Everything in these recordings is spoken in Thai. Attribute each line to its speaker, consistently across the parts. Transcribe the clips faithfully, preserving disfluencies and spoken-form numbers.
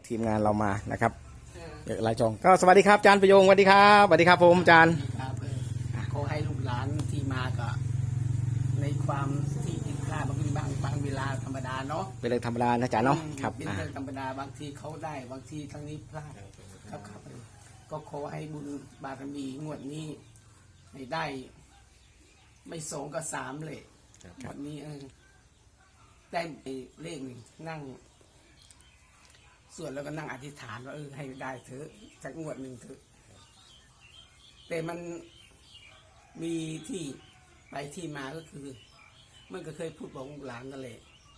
Speaker 1: ทีมงานเรามานะครับเอกลายจองก็สวัสดีครับอาจารย์ประโยงสวัสดีครับสวัสดีครับผมอาจารย์
Speaker 2: ครับขอให้ลูกหลานที่มาก็ในความที่ผิดพลาดบางทีบางบางเวลาธรรมดาเนาะ
Speaker 1: เป็นเรื่องธรรมดานะอาจารย์เนาะครับ
Speaker 2: เป็นเรื่องธรรมดาบางทีเขาได้บางทีครั้งนี้พลาดครับครับก็ขอให้บุญบารมีงวดนี้ให้ได้ ไม่สองก็สามเลยวันนี้เออได้เลขหนึ่งนั่งส่วนแล้วก็นั่งอธิษฐานว่าเออให้ได้เถอะสักงวดหนึ่งเถอะแต่มันมีที่ไปที่มาก็คือมันก็เคยพูดบอกหลานนั่นแหละ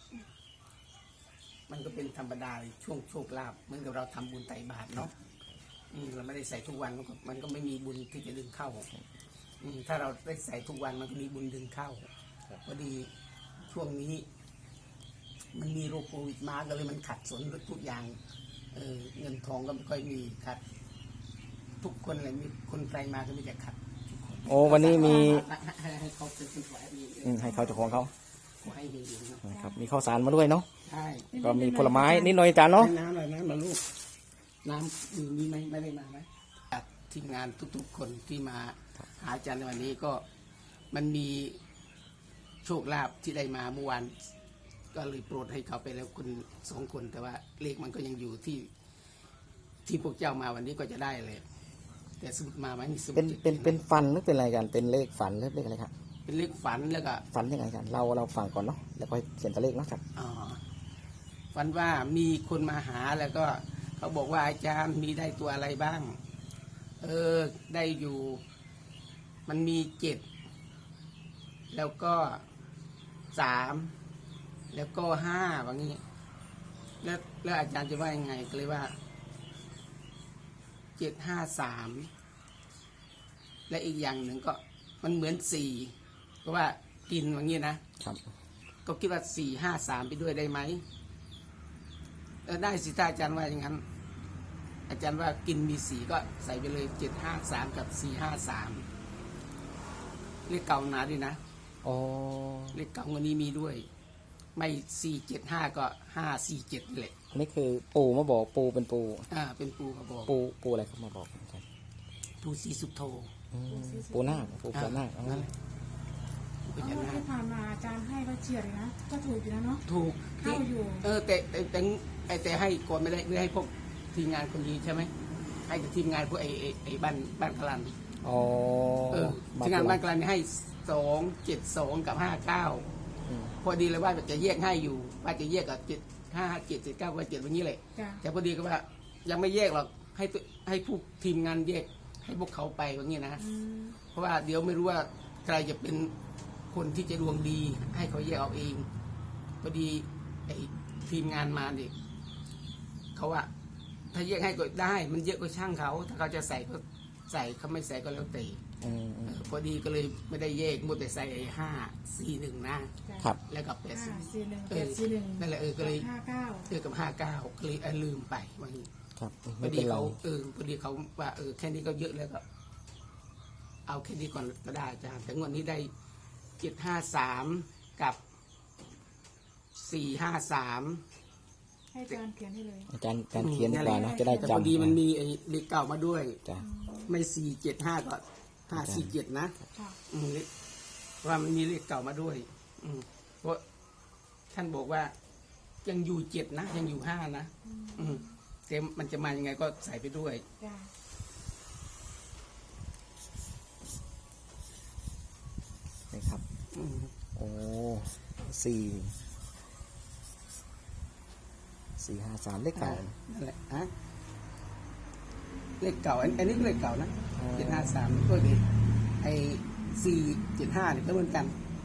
Speaker 2: มันก็เป็นธรรมดาช่วงโชคลาภเหมือนกับเราทำบุญไต่บาตรเนาะเราไม่ได้ใส่ทุกวันมันก็มันก็ไม่มีบุญที่จะดึงเข้าถ้าเราได้ใส่ทุกวันมันก็มีบุญดึงเข้าพอดีช่วงนี้มันมีโรคโควิดมาก็เลยมันขัดสนทุกอย่างเออเงินทองก็ไม่ค่อยมีขัดทุกคนเลยมีคนไกลมาก็ไม่จะขัด
Speaker 1: โอ้วันนี้มี
Speaker 2: ให้เขาเป็นคนถวายดี
Speaker 1: ให้เขาเจ้าของเขา
Speaker 2: ให้ดี
Speaker 1: นะครับมีข้าวสารมาด้วยเนาะ
Speaker 2: ใช่
Speaker 1: ก็มีผลไม้นิดหน่อยอาจารย์เนาะ
Speaker 2: น้ำอะไรน้ำมาลูกน้ำมีมีไหมไม่ได้มาไหมทีมงานทุกๆคนที่มาหาอาจารย์ในวันนี้ก็มันมีโชคลาภที่ได้มาเมื่อวานก็เลยโปรดให้เขาไปแล้วคนสองคนแต่ว่าเลขมันก็ยังอยู่ที่ที่พวกเจ้ามาวันนี้ก็จะได้เลยแต่สมุดมาไหมมีสมุด
Speaker 1: เป็นเป็นเป็นฟันหรือเป็นอะไรกันเป็นเลขฝันหรือเลขอะไรครับ
Speaker 2: เป็นเลขฝันแล้วก็
Speaker 1: ฝันยังไงกันเราเราฟังก่อนเนาะแล้วก็เขียนตัวเลขเนาะครับ
Speaker 2: อ๋อฝันว่ามีคนมาหาแล้วก็เขาบอกว่าอาจารย์มีได้ตัวอะไรบ้างเออได้อยู่มันมีเจ็ดแล้วก็สามแล้วก็ห้าแบบนี้แล้วแล้วอาจารย์จะว่ายังไงก็เลยว่าเจ็ดห้าสามและอีกอย่างหนึ่งก็มันเหมือนสี่เพราะว่ากินอย่างนี้นะครับก็คิดว่าสี่ห้าสามไปด้วยได้ไหมเออได้สิถ้าอาจารย์ว่าอย่างนั้นอาจารย์ว่ากินมีสี่ก็ใส่ไปเลยเจ็ดห้าสามกับสี่ห้าสามเลขเก่านาด้วยนะ
Speaker 1: อ๋อ
Speaker 2: เลขเก่าวันนี้มีด้วยไม่สี่เจ็ดห้าก็ห้าสี่เจ็ดนี่แหละ
Speaker 1: อันนี้คือปู่มาบอกปู่เป็นปู่
Speaker 2: อ่าเป็นปู่มาบอก
Speaker 1: ปู่ปู่อะไรเขามาบอกครับ
Speaker 2: ปู่ศรีสุโธ
Speaker 1: ปู่นาคปู่พญานาคงั้น
Speaker 3: ที่ผ่านมาอาจารย์ให้ว่าเฉียดเลยนะก็ถูกอยู่แล้วเนาะ
Speaker 2: ถูก
Speaker 3: เข้าอยู่
Speaker 2: เออแต่แต่แต่แต่ให้ก่อนไม่ได้ไม่ให้พวกทีมงานคนนี้ใช่ไหมให้กับทีมงานพวกไอ้ไอ้บ้านบ้านพลัน
Speaker 1: อ๋อ
Speaker 2: เออทีมงานบ้านพลันให้สองเจ็ดสองกับห้าเก้าพอดีเลยว่าจะแยกให้อยู่ว่าจะแยกกับเจ็ดห้าเจ็ดเจ็ดเก้าว่าเจ็ดวันนี้เลยแต่พอดีก็ว่ายังไม่แยกหรอกให้ให้ผู้ทีมงานแยกให้พวกเขาไปวันนี้นะเพราะว่าเดี๋ยวไม่รู้ว่าใครจะเป็นคนที่จะดวงดีให้เขาแยกเอาเองพอดีไอ้ทีมงานมาเนี่ยเขาว่าถ้าแยกให้ก็ได้มันเยอะก็ช่างเขาถ้าเขาจะใส่ก็ใส่เขาไม่ใส่ก็แล้วแต่พอดีก็เลยไม่ได้แยกมัวแต่ใส่ห้าสี่หนึ่งนะครับแล้วกับแปด
Speaker 3: สี่หนึ่งแปดสี่หนึ่ง
Speaker 2: นั่นแหละเออก็เลย
Speaker 3: ห้าเก้า
Speaker 2: เออกับห้าเก้าก็เลยลืมไปวันนี้
Speaker 1: ครับ
Speaker 2: พอดีเขาเออพอดีเขาว่าเออแค่นี้ก็เยอะแล้วก็เอาแค่นี้ก่อนก็ได้อาจารย์แต่งวดนี้ได้เจ็ดห้าสามกับสี่ห้าสาม
Speaker 3: ให้อาจารย์เขียนให้เลย
Speaker 1: อาจารย์การเขียนดีกว่านะจะได้จำ
Speaker 2: พอดีมันมีไอ้เลขเก่ามาด้วย
Speaker 1: จ้ะ
Speaker 2: ไม่สี่เจ็ดห้าก็ห้าสี่เจ็ดนะว่ามันมีเลขเก่ามาด้วยเพราะท่านบอกว่ายังอยู่เจ็ดนะยังอยู่ห้านะแต่มันจะมายังไงก็ใส่ไปด้วย
Speaker 1: นี่ครับโอ้สี่สี่ห้าสามเลขเก่า
Speaker 2: นั่นแหละฮะเลขเก่าอันนี้เลขเก่านะเจ็ดห้าสามก็ดีไอ้สี่เจ็ดห้าเนี่ยก็เหมือนกัน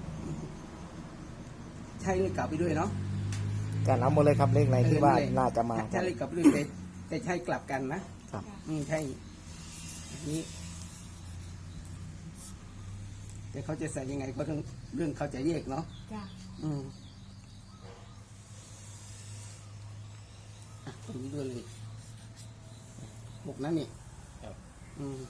Speaker 2: ใช่เลขเก่าไปด้วยเนาะ
Speaker 1: การเอาหมดเลยครับเลขไหนที่ว่าน่าจะมา
Speaker 2: ใช่เลขเก่าไปด้วยแต่แต่ใช่กลับกันนะครับอืมใช่นี้แต่เขาจะใส่ยังไงก็เรื่องเรื่องเขาจะแยกเนาะอืมตรงนี้ด้วยเลยหกนั่นนี่อืม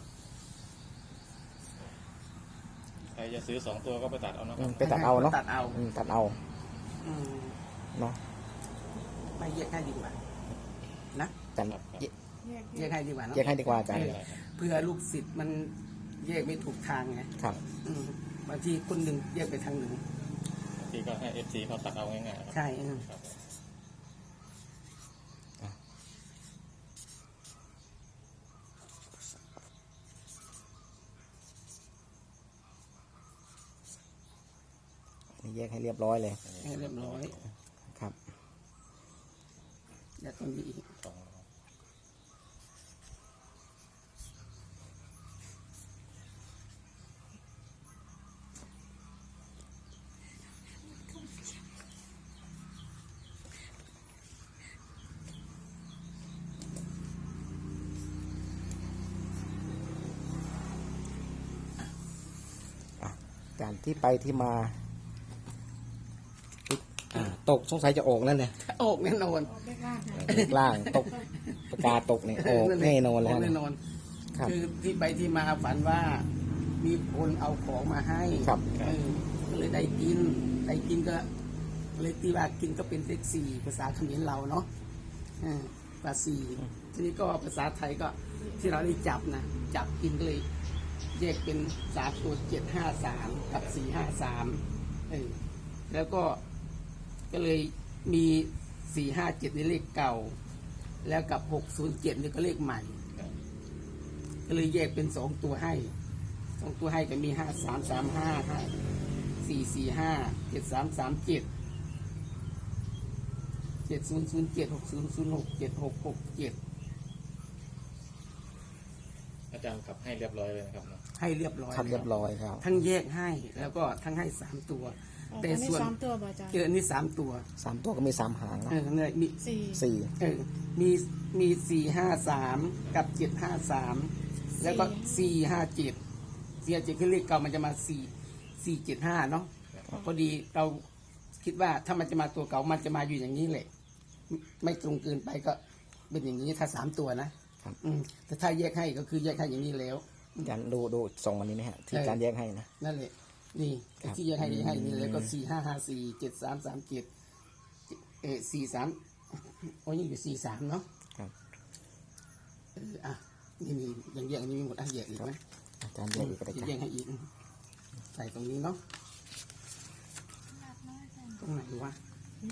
Speaker 4: ใครจะซื้อสองตัวก็ไปตัดเอาเนาะ
Speaker 1: ไปตัดเอาเนาะ
Speaker 2: ตัดเอา
Speaker 1: ตัดเอาเนาะ
Speaker 2: ไม่แยกให้ดีกว่านะ
Speaker 1: อาจารย์
Speaker 4: ครับครับ
Speaker 1: แยก
Speaker 3: แยก
Speaker 2: แยกให้ดีกว่าเนอะ
Speaker 1: แยกให้ดีกว่าอาจารย์
Speaker 2: เออเพื่อลูกศิษย์มันแยกไม่ถูกทางไง
Speaker 1: ครับ
Speaker 2: อืมบางทีคนหนึ่งแยกไปทางหนึ่ง
Speaker 4: บางทีก็ให้เอฟซีเขาตัดเอาง่ายๆครับ
Speaker 2: ใช่อืม
Speaker 4: ครับ
Speaker 1: นี่แยกให้เรียบร้อยเลย
Speaker 2: ให้เรียบร้อย
Speaker 1: ครับ
Speaker 2: แล้วตรงนี้อีก
Speaker 4: สอง
Speaker 1: อาจารย์ที่ไปที่มาอ่าตกสงสัยจะออกนั่นเลย
Speaker 2: ออกแน่นอน
Speaker 3: ออกได้ล่างค่ะ
Speaker 1: เลขล่างตกปากกาตกเนี่ยออกแน่นอนแล้ว
Speaker 2: ก
Speaker 1: นะ
Speaker 2: แน่นอน
Speaker 1: ครับ
Speaker 2: คือที่ไปที่มาฝันว่ามีคนเอาของมาให้
Speaker 1: ครับ
Speaker 2: เออก็เลยได้กินได้กินก็เลยที่ว่ากินก็เป็นเลขสี่ภาษาเขมรเราเนาะเออภาษาสี่ทีนี้ก็ภาษาไทยก็ที่เราได้จับนะจับกินก็เลยแยกเป็นสามตัวเจ็ดห้าสามกับสี่ห้าสามเออแล้วก็ก็เลยมีสี่ห้าเจ็ดในเลขเก่า แล้วกับหกศูนย์เจ็ดนี่ก็เลขใหม่ ก็เลยแยกเป็นสองตัวให้สองตัวให้ก็มีห้าสามสามห้าห้าสี่สี่ห้าเจ็ดสามสามเจ็ดเจ็ดศูนย์ศูนย์เจ็ดหกศูนย์ศูนย์หกเจ็ดหกหกเจ็ด
Speaker 4: อาจารย์ขับให้เรียบร้อยเลยนะครับเนาะ
Speaker 2: ให้เรียบร้อย
Speaker 1: ครับเรียบร้อยครับ
Speaker 2: ทั้งแยกให้แล้วก็ทั้งให้สามตัว แต่
Speaker 3: อันนี้
Speaker 2: ส่วน
Speaker 3: สามตัวบ่อาจารย์
Speaker 2: เอออันนี้สามตัว
Speaker 1: สามตัวก็มีสามหางนะ
Speaker 2: เออเนี่ยมี
Speaker 3: สี่
Speaker 1: สี่
Speaker 2: เออมีมีสี่ห้าสามกับเจ็ดห้าสามแล้วก็สี่ห้าเจ็ดสี่ห้าเจ็ดคือเลขเก่ามันจะมาสี่สี่เจ็ดห้าเนาะพอดีเราคิดว่าถ้ามันจะมาตัวเก่ามันจะมาอยู่อย่างนี้แหละไม่ไม่ตรงเกินไปก็เป็นอย่างนี้ถ้าสามตัวนะครับ อืมแต่ถ้าแยกให้ก็คือแยกให้อย่างนี้แล้ว
Speaker 1: อาจารย์ดูดูส่งวันนี้นะฮะที่อาจารย์แยกให้นะ
Speaker 2: นั่นแหละนี่
Speaker 1: ครับ
Speaker 2: ที่แยกให้แยกให้นี่แล้วก็สี่ห้าห้าสี่เจ็ดสามสามเจ็ดเออสี่สามโอ้ยยังอยู่สี่สามเนาะ
Speaker 1: ครับ
Speaker 2: เอออ่ะนี่มียังแยกอันนี้มีหมดอ่ะแยกอีกไหม
Speaker 1: อาจารย์แยกอีกก็ได้
Speaker 2: จะ
Speaker 1: จ้ะ
Speaker 2: แยกให้อีกใส่ตรงนี้เนาะตรงไหนวะ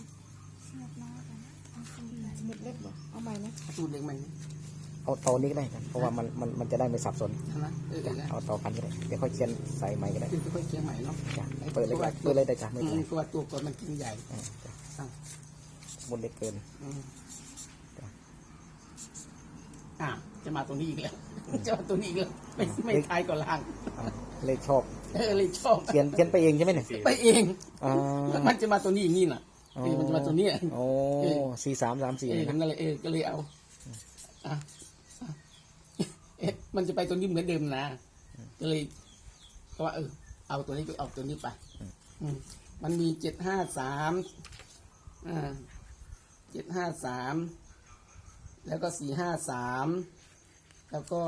Speaker 3: หมดเล็กบ่เอาใหม่ไหม
Speaker 2: สูตรเล็กไหม
Speaker 1: เอาตอนี้ก็ได้ครับเพราะว่ามันมันมันจะได้ไม่สับสน
Speaker 2: ใช่ไหมเออเอ
Speaker 1: จ้ะ
Speaker 2: อ
Speaker 1: เอาต่อกันก็ได้เดี๋ยวค่อยเขียนใส่ใหม่ก็ได้
Speaker 2: คือค่อยๆเคี่ยวใหม่เนาะ
Speaker 1: จ้ะเปิดเลยจ้ะเปิดเลยได้จ้ะไม่
Speaker 2: อื
Speaker 1: เป็นไร
Speaker 2: มตัวตัวก่อนมันกินใหญ่
Speaker 1: อ่าจ้ะ
Speaker 2: อ่ะ
Speaker 1: บนเล็กเกิน
Speaker 2: อืม
Speaker 1: จ้ะ
Speaker 2: อ่ะจะมาตรงนี้อีกแล้วจะมาตรงนี้อีกแล้วไม่ไม่ท้ายก็ล่าง
Speaker 1: อ่าเลขชอบ
Speaker 2: เออเลยชอบ
Speaker 1: เขียนเขียนไปเองใช่ไหมเนี่ย
Speaker 2: ไปเอง
Speaker 1: อ่า
Speaker 2: แล้วมันจะมาตัวนี้อย่างนี้น่ะเออมันจะมาตัวเนี้ย
Speaker 1: โอ้สี่สามสามสี่
Speaker 2: เออ
Speaker 1: นะ
Speaker 2: นั่นแหละเออก็เลยเอาอ่ะอ่ะเอ๊ะมันจะไปตัวนี้เหมือนเดิมนะก็เลยก็ว่าเออเอาตัวนี้ก็เอาตัวนี้ไปอืมมันมีเจ็ดห้าสามอ่าเจ็ดห้าสามแล้วก็สี่ห้าสามแล้วก็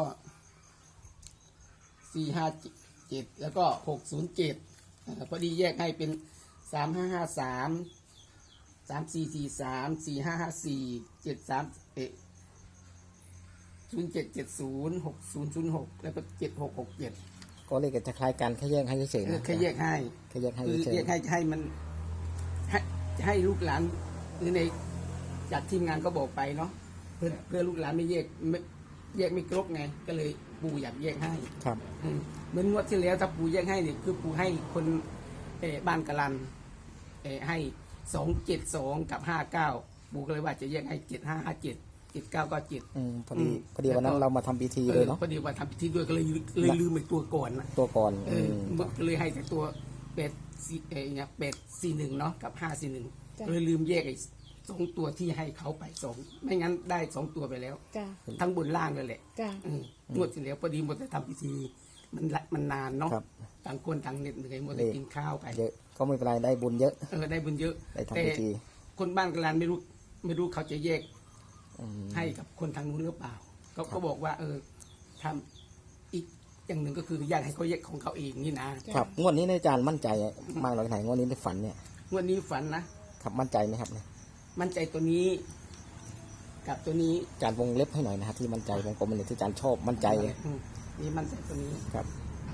Speaker 2: สี่ห้าเจ็ดแล้วก็หกศูนย์เจ็ดพอดีแยกให้เป็นสามห้าห้าสามสามสี่สี่สามสี่ห้าห้าสี่เจ็ดสามเอ็ดศูนย์เจ็ดเจ็ดศูนย์หกศูนย์ศูนย์หกแล้วก็เจ็ดหกหกเจ็ด
Speaker 1: ก็เลขจะคล้ายกันแค่แยกให้เฉยๆนะ
Speaker 2: แค่แยกให้
Speaker 1: แค่แยกให้
Speaker 2: คือ
Speaker 1: เฉย
Speaker 2: แยกให้ให้มันให้ให้ลูกหลานหรือในจากทีมงานก็บอกไปเนาะเพื่อเพื่อลูกหลานไม่แยกไม่แยกไม่ครบไง ก็เลยปู่อยากแยกให้
Speaker 1: ๆครับ
Speaker 2: อืมเหมือนงวดที่แล้วถ้าปู่แยกให้เนี่ยคือปู่ให้คนเออบ้านกะลันเออให้สองเจ็ดสองกับห้าเก้าปู่ก็เลยว่าจะแยกให้เจ็ดห้าห้าเจ็ดเจ็ดเก้าก็เจ็ด
Speaker 1: อืมพอดี
Speaker 2: อืม
Speaker 1: พอดีวันนั้นเรามาทำพิธี
Speaker 2: เอ
Speaker 1: เล
Speaker 2: อย
Speaker 1: เนาะ
Speaker 2: พอดีว่าทำพิธีด้วยก็เลยเลยลืมไปตัวก่อนนะ
Speaker 1: ตัวก่อน
Speaker 2: เอ
Speaker 1: อื
Speaker 2: อ
Speaker 1: ม
Speaker 2: ก็เลยให้แต่ตัวเป็ดสี่เออเนี่ยเป็ดสี่หนึ่งเนาะกับห้าสี่หนึ่ง
Speaker 3: จ้ะ
Speaker 2: เลยลืมแยกไอ้สองตัวที่ให้เขาไปสองไม่งั้นได้สองตัวไปแล้ว
Speaker 3: จ้า
Speaker 2: ทั้งบนล่างเลยแหละ
Speaker 3: จ้า
Speaker 2: อืมงวดที่แล้วพอดีหมดแต่ทำพิธีมันละมันนานเนาะ
Speaker 1: ครับ
Speaker 2: ต่างคนต่างเหน็ดเหนื่อยหมดแต่กินข้าวไป
Speaker 1: เยอะก็ไม่เป็นไรได้บุญเยอะ
Speaker 2: เออได้บุญเยอะ
Speaker 1: ได้
Speaker 2: แต่
Speaker 1: ทำพิธี
Speaker 2: คนบ้านกลานไม่รู้ไม่รู้เขาจะแยก
Speaker 1: อืม
Speaker 2: ให้กับคนทางนู้นหรือเปล่าเขาก็บอกว่า เออทำอีกอย่างหนึ่งก็คืออยากให้เขาแยกของเขาเองนี่นะครับ
Speaker 1: งวดนี้เนี่ยอาจารย์มั่นใจมากน้อยไหนงวดนี้ในฝันเนี่ย
Speaker 2: งวดนี้ฝันนะครับ
Speaker 1: มั่นใจไหมครับเนี่ย
Speaker 2: มั่นใจตัวนี้กับตัวนี้
Speaker 1: อาจารย์วงเล็บให้หน่อยนะฮะที่มั่นใจวงกลมเป็นที่อาจารย์ชอบมั่นใจ
Speaker 2: อืมนี่มันใจตัวนี้
Speaker 1: ครับ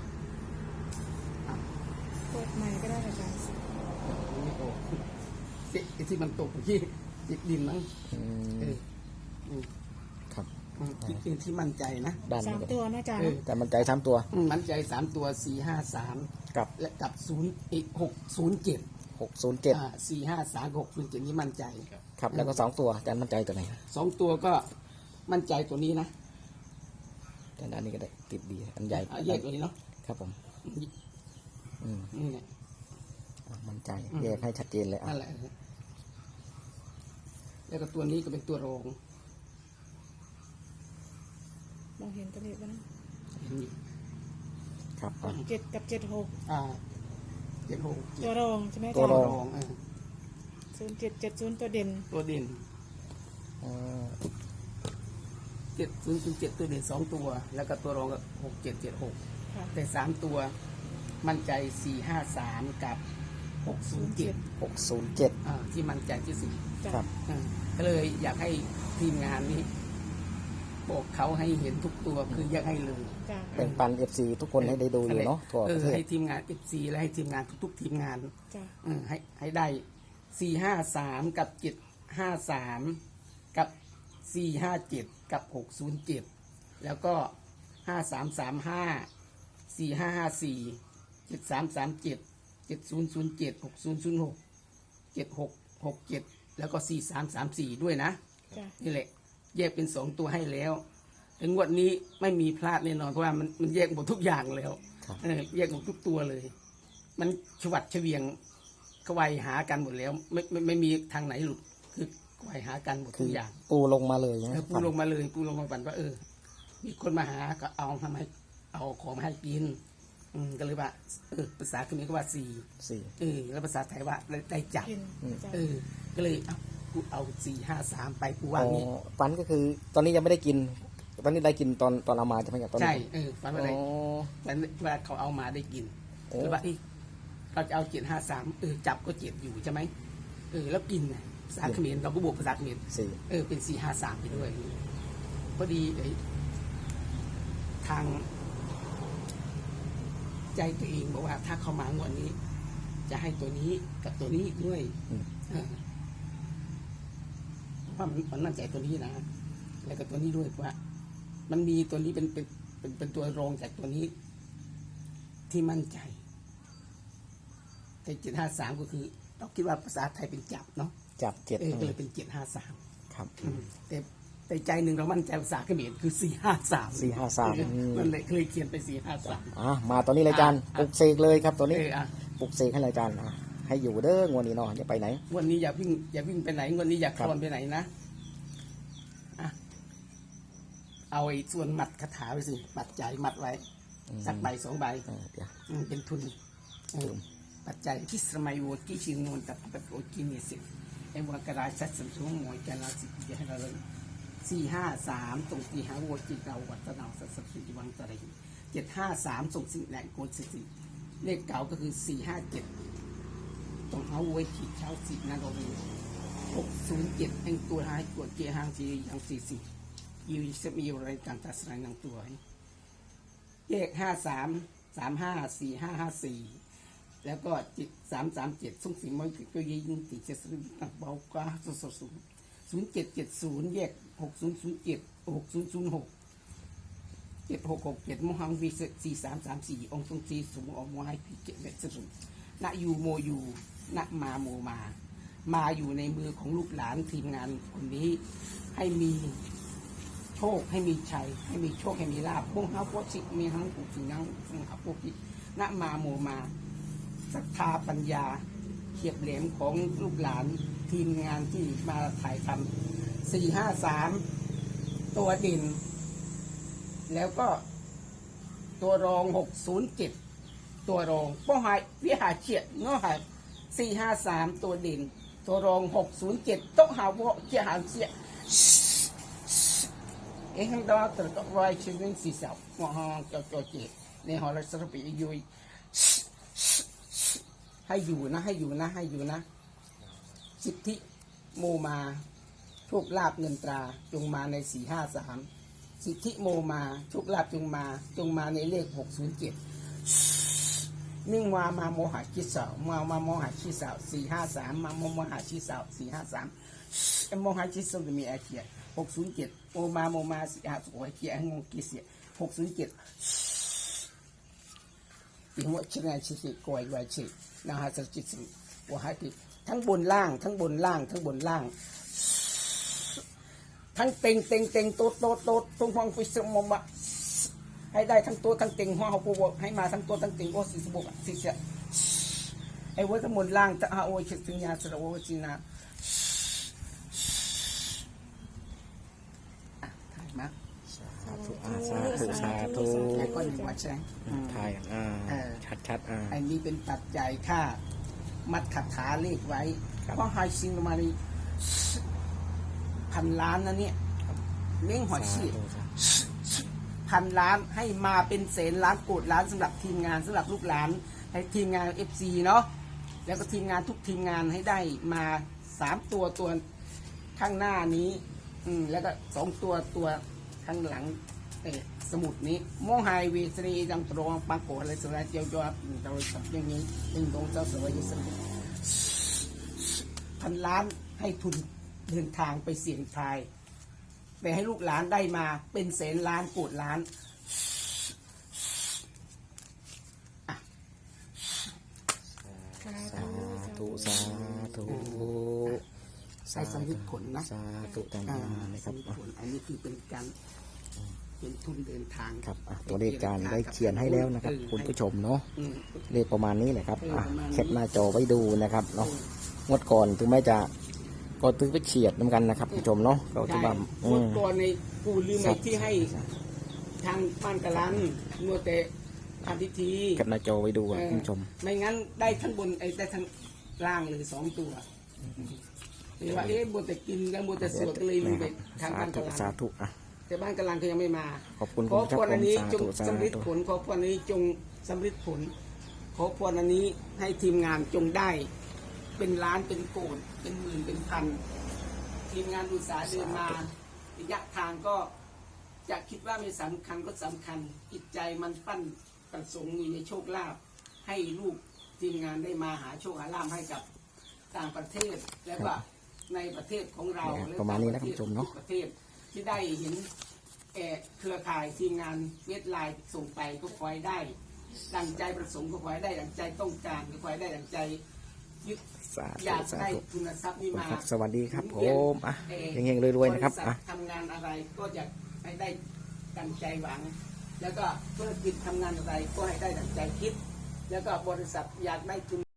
Speaker 3: เปิดใหม่ก็ได้อาจารย์
Speaker 2: ไม่โอ้ไอ้ที่มันตกอยู่ที่ติดดินมั้ง
Speaker 1: อื
Speaker 2: เอ
Speaker 1: ม
Speaker 2: ออืม
Speaker 1: ครับ
Speaker 2: อืมที่ที่ที่มั่นใจนะ
Speaker 1: ด้าน
Speaker 3: สา
Speaker 1: นี้
Speaker 3: ม
Speaker 1: ก็
Speaker 3: ตัวนะอาจารย์
Speaker 2: เออ
Speaker 1: แต่มั่นใจสามตัว
Speaker 2: อืมมั่นใจสามตัวสี่ห้าสาม
Speaker 1: กับ
Speaker 2: และกับศูนย์อีกหกศูนย์เจ็ด
Speaker 1: หกศูนย์เจ็ด
Speaker 2: อ่าสี่ห้าสามหกศูนย์เจ็ดนี่มั่นใจ
Speaker 1: ครับแล้วก็สองตัวอาจารย์มั่นใจตัวไหน
Speaker 2: สองตัวก็มั่นใจตัวนี้นะ
Speaker 1: อาจารย์อันนี้ก็ได้ติดดีอันใหญ่
Speaker 2: อ่ะแยกตัวนี้เนาะ
Speaker 1: ครับผมอืม
Speaker 2: นี่แหละ
Speaker 1: อ่ะมั่นใจแยกให้ชัดเจนเลยอ่ะ
Speaker 2: นั่นแหละแล้วก็ตัวนี้ก็เป็นตัวรอง
Speaker 3: มองเห็นตัวเลขแล้วนะ
Speaker 2: เห็นอยู่
Speaker 1: ครับอ่ะ
Speaker 3: เจ็ดกับเจ็ดหก
Speaker 2: อ่าเจ็ดหก
Speaker 3: ตัวรองใช่ไหมอา
Speaker 1: ตั
Speaker 3: จาว ร
Speaker 1: ร
Speaker 3: ย์
Speaker 1: อง
Speaker 2: รองเออ
Speaker 3: ศูนย์เจ็ดเจ็ดศูนย์ตัวเด่น
Speaker 2: ตัวเด่น
Speaker 1: อ่า
Speaker 2: เจ็ดศูนย์ศูนย์เจ็ดตัวเด่นสองตัว แล้วก็ตัวรองก็หกเจ็ดเจ็ดหก
Speaker 3: ค่ะ
Speaker 2: แต่สามตัวมั่นใจสี่ห้าสามกับหกศูนย์เจ็ด
Speaker 1: หกศูนย์เจ็ด
Speaker 2: อ่าที่มั่นใจที่สุด
Speaker 3: จ้ะ
Speaker 1: ครับ
Speaker 2: อ่าก็เลยอยากให้ทีมงานนี้บอกเขาให้เห็นทุกตัวคืออยากให้เลย
Speaker 3: จ้ะ
Speaker 1: แบ่งปันเอฟซีทุกคนให้ได้ดูอยู่เนาะทั่ว
Speaker 2: เอ
Speaker 1: ป
Speaker 2: อ
Speaker 1: ระเทศ
Speaker 2: ให้ทีมงานเอฟซีและให้ทีมงานทุกๆทีมงาน
Speaker 3: จ้ะ
Speaker 2: เออให้ให้ได้สี่ห้าสามกับเจ็ดห้าสามกับสี่ห้าเจ็ดกับหกศูนย์เจ็ดแล้วก็ห้าสามสามห้าสี่ห้าห้าสี่เจ็ดสามสามเจ็ดเจ็ดศูนย์ศูนย์เจ็ดหกศูนย์ศูนย์หกเจ็ดหกหกเจ็ดแล้วก็สี่สามสามสี่ด้วยนะ
Speaker 3: จ้ะ
Speaker 2: นี่แหละแยกเป็นสองตัวให้แล้วถึงงวดนี้ไม่มีพลาดแน่นอนเพราะว่ามันมันแยกหมดทุกอย่างแล้ว
Speaker 1: ครับ
Speaker 2: เออแยกหมดทุกตัวเลย มันชวัดเฉวียงกวายหากันหมดแล้วไม่ไม่ไม่มีทางไหนหลุดคือกวายหากันหมด
Speaker 1: คื
Speaker 2: ทุ
Speaker 1: อก
Speaker 2: อย่าง
Speaker 1: ปูลงมาเลยนะ
Speaker 2: เออปูลงมาเลยปูลงมาปั่นว่าเออ มีคนมาหาก็เอาทำให้เอาของมาให้กิน อืมก็เลยว่าเออภาษาเขมรก็ว่าสี่
Speaker 1: สี่
Speaker 2: เออแล้วภาษาไทยว่าได้ได้จับ
Speaker 3: กินจ้ะ
Speaker 2: เออ ก็เลยเอากูเอาสี่ห้าสามไปกู
Speaker 1: อ๋
Speaker 2: ว่า
Speaker 1: อ
Speaker 2: งี้
Speaker 1: ฟันก็คือ ตอนนี้ยังไม่ได้กินตอนนี้ได้กินตอนตอนเอามาใช่ไหมครับตอนนี้
Speaker 2: ใช่เออฝันว่าได้
Speaker 1: อ๋อ
Speaker 2: ฝันว่าเขาเอามาได้กิน
Speaker 1: โอ้
Speaker 2: แล้วว่าเอ้ยเราจะเอาเจ็ดห้าสามเออจับก็เจ็ดอยู่ใช่ไหมเออแล้วกินน่ะภาษาเขมรเราก็บวกภาษาเขมร
Speaker 1: สี่
Speaker 2: เออเป็นสี่ห้าสามไปด้วยพอดีไอ้ทาง ใจตัวเองบอกว่าถ้าเขามางวดนี้ จะให้ตัวนี้กับตัวนี้ด้วย
Speaker 1: อืม
Speaker 2: เออเพราะมันมันมั่นใจตัวนี้นะแล้วก็ตัวนี้ด้วยเพราะว่า มันมีตัวนี้เป็นเป็นเป็นเป็นตัวรองจากตัวนี้ ที่มั่นใจ แต่เจ็ดห้าสามก็คือเราคิดว่าภาษาไทยเป็นจับเนาะ
Speaker 1: จับเจ็ด
Speaker 2: เออก็เลยเป็นเจ็ดห้าสาม
Speaker 1: ครับ
Speaker 2: แต่แต่ใจหนึ่งเรามั่นใจภาษาเขมรคือสี่ห้าสาม
Speaker 1: สี่ห้าสามอืม
Speaker 2: มันเลยเคยเขียนไปสี่ห้าสาม
Speaker 1: อ่ะมาตอนนี้เลยอาจารย์ปลุกเสกเลยครับตัวนี้
Speaker 2: เอออ่ะ
Speaker 1: ปลุกเสกให้เลยอาจารย์อ่ะให้อยู่เด้องวดนี้เนาะอย่าไปไหน
Speaker 2: วันนี้อย่าวิ่งอย่าวิ่งไปไหนวันนี้อย่าคลอนไปไหนนะอ่ะเอาไอ้ส่วนหมัดคาถาไปสิหมัดใจายหมัดไว้
Speaker 1: อืม
Speaker 2: สักใบสองใบ
Speaker 1: เออเดี๋ยว
Speaker 2: อืมเป็นทุนเออปัจจัยที่สมัยโวกิชิงนนตับตับโอกินิสิไอ้วัวกระไรสัตสัมสงมวยกันลาสิจะให้เราเลยสี่ห้าสามตรงตีหาโวจิตเราวัตนาสัตสัมสิวังตะไรเจ็ดห้าสามส่งสิ่งแหลงโกสิสิเลขเก่าก็คือสี่ห้าเจ็ดตรงเอาไว้ขีดเช้าสิบนั่นก็เป็นหกศูนย์เจ็ดแห่งตัวท้ายตัวเกียร์ห้างสีอย่างสี่สิยูจะมีอะไรการตัดสลายนางตัวเลขห้าสามสามห้าสี่ห้าห้าสี่แล้วก็จิตสามสามเจ็ดส่งสิ่งมันก็ยิงติดเจ็ดสิบตักเบากว่าสุดสุดศูนย์ศูนย์เจ็ดเจ็ดศูนย์แยกหกศูนย์ศูนย์เจ็ดหกศูนย์ศูนย์หกเจ็ดหกหกเจ็ดมหังวีสี่สามสามสี่องค์ทรงสี่สูงออกมาให้พิเกตเบ็ดสุดณยูโมยูณมาโมมา มาอยู่ในมือของลูกหลานทีมงานคนนี้ให้มีโชคให้มีชัยให้มีโชคให้มีลาภพวกเขาพวกสิมีทั้งปุกสิ่งนั้นพวกเขาพวกที่ณมาโมมาศรัทธาปัญญาเขียบแหลมของลูกหลานทีมงานที่มาถ่ายทำสี่ห้าสามตัวเด่นแล้วก็ตัวรองหกศูนย์เจ็ดตัวรองป้อหายวิหารเฉียดเนาะหายสี่ห้าสามตัวเด่นตัวรองหกศูนย์เจ็ดโต๊ะหาวเจียหางเสียเอ็งดอตระก็รอยชิวิงสีเสาหัวห้องเจ้าเจ้าเจ็ดในหอรัศมียุยให้อยู่นะให้อยู่นะให้อยู่นะสิทธิโมมาโชคลาภเงินตราจงมาในสี่ห้าสามสิทธิโมมาโชคลาภจงมาจงมาในเลขหกศูนย์เจ็ดนิ่งมามาโมหะคิดเสามามาโมหะคิดเสาสี่ห้าสามมาโมโมหะคิดเสาสี่ห้าสามเอ็มโมหะคิดเสาจะมีไอเคียหกศูนย์เจ็ดโมมาโมมาสี่ห้าสุโอเคียงงกิเสียหกศูนย์เจ็ดอีหัวชิงานชิสิกอยไวชินาฮาสจิตสิวหาติทั้งบนล่างทั้งบนล่างทั้งบนล่างทั้งเต็งเต็งเต็งโต๊ดโต๊ดโต๊ดตรงห้องฟิสมมะให้ได้ทั้งตัวทั้งเต็งห้องเขาปูบให้มาทั้งตัวทั้งเต็งโอสิสบุกสิเสียไอ้วัวทั้งบนล่างจะอาโอชิสิญาสระโอจินาถ่ายมา
Speaker 1: สาธุอ่าสาธุสาธุ
Speaker 2: แค่ก้อนหนึ่งวัดใช่ไหม
Speaker 1: ถ่ายอ่า
Speaker 2: เออ
Speaker 1: ชัดชัดๆอ่า
Speaker 2: อันนี้เป็นปัจจัยค่ามัดคาถาเลขไว้
Speaker 1: ครับ
Speaker 2: เพราะไฮซิงมาในพันล้านนะเนี่ยเม้งหอยชีพ พันล้านให้มาเป็นแสนล้านโกดล้านสำหรับทีมงานสำหรับลูกหลานให้ทีมงานเอฟซีเนาะแล้วก็ทีมงานทุกทีมงานให้ได้มาสามตัวตัวข้างหน้านี้อืมแล้วก็สองตัวตัวข้างหลังเออสมุดนี้โมไฮวีสรีดังตรงปังโกอะไรสระเจียวยอดเราทำอย่างนี้เป็นตรงเจ้าสวยสมุดพันล้านให้ทุนเดินทางไปเสี่ยงทายไปให้ลูกหลานได้มาเป็นแสนล้านโกดล้าน
Speaker 1: สาธุสาธุ
Speaker 2: ใส่สำลิดผลนะ
Speaker 1: สาธุต่าง
Speaker 2: อ่า
Speaker 1: ๆนะครับ
Speaker 2: สำลิด
Speaker 1: อ่ะ
Speaker 2: ผลอันนี้คือเป็นการเป็นทุนเดินทาง
Speaker 1: ครับอ่ะตัวเลขจานได้เขียนให้แล้วนะครับ คุณผู้ชมเนาะ
Speaker 2: อืม
Speaker 1: เลขประมาณนี้แหละครับอ่ะ
Speaker 2: เลขประมาณนี้
Speaker 1: แคปหน้าจอไว้ดูนะครับเนาะงวดก่อนถึงแม้จะก็ตึงไปเฉียดเหมือนกันนะครับผู้ชมเนาะก็ที่ว่าอื
Speaker 2: เมื่อ
Speaker 1: ม
Speaker 2: ก่อนในกูลืม
Speaker 1: ครั
Speaker 2: ไอ้
Speaker 1: บ
Speaker 2: ที่ให้ทางบ้านกะลันมัวแต่ทำพิธี
Speaker 1: แคปหน้าจอไว้ดูอ่ะ
Speaker 2: เออ
Speaker 1: คุณผู้ชม
Speaker 2: ไม่งั้นได้ทั้งบนไอ้ได้ทั้งล่างเลยสองตัวหรือว่าเอ๊ะมัวแต่กินแล้วมัวแต่สวดก็เลยลืมไปทาง
Speaker 1: สา
Speaker 2: บ้าน
Speaker 1: ธุ
Speaker 2: กะลัน
Speaker 1: สาธุอ่ะ
Speaker 2: แต่บ้านกะลันเขายังไม่มา
Speaker 1: ขอบคุณ
Speaker 2: ขอ
Speaker 1: คุณ
Speaker 2: พรอันนี้จง
Speaker 1: สาธุ
Speaker 2: สำลิด
Speaker 1: สาธุ
Speaker 2: ผลขอพรอันนี้จงสำลิดผล ขอพรอันนี้ให้ทีมงานจงได้ เป็นล้านเป็นโกดเป็นหมื่นเป็นพัน ทีมงานอุตสาห์เดินมาระยะทางก็จะคิดว่าไม่สำคัญก็สำคัญจิตใจมันปั้นประสงค์มีในโชคลาภให้ลูกทีมงานได้มาหาโชคหาลาภให้กับต่างประเทศแล้วก็ในประเทศของเรา
Speaker 1: เนี่ย
Speaker 2: และ
Speaker 1: ประมาณนี้นะ
Speaker 2: ต่ง
Speaker 1: คุณผู้ชมเนาะ
Speaker 2: ทุกประเทศที่ได้เห็นเอ่อเครือข่ายทีมงานเวทไลน์ส่งไปก็ขอให้ได้ ดังใจประสงค์ก็ขอให้ได้ดังใจต้องการก็ขอให้ได้ดังใจยึด
Speaker 1: สา
Speaker 2: อ
Speaker 1: ธุ
Speaker 2: ยาก
Speaker 1: สา
Speaker 2: ได้
Speaker 1: ธุ
Speaker 2: ทุนทรัพย์นี้มา
Speaker 1: ครับสวัสดีครับผ
Speaker 2: เรียน
Speaker 1: มอ่ะ
Speaker 2: เอ่อ
Speaker 1: เฮงๆรวยๆนะครับ
Speaker 2: บษัท
Speaker 1: อ่ะ
Speaker 2: ทำงานอะไรก็อยากให้ได้ดังใจหวัง แล้วก็ธุรกิจทำงานอะไรก็ให้ได้ดังใจคิด แล้วก็บริษัทอยากได้ทุน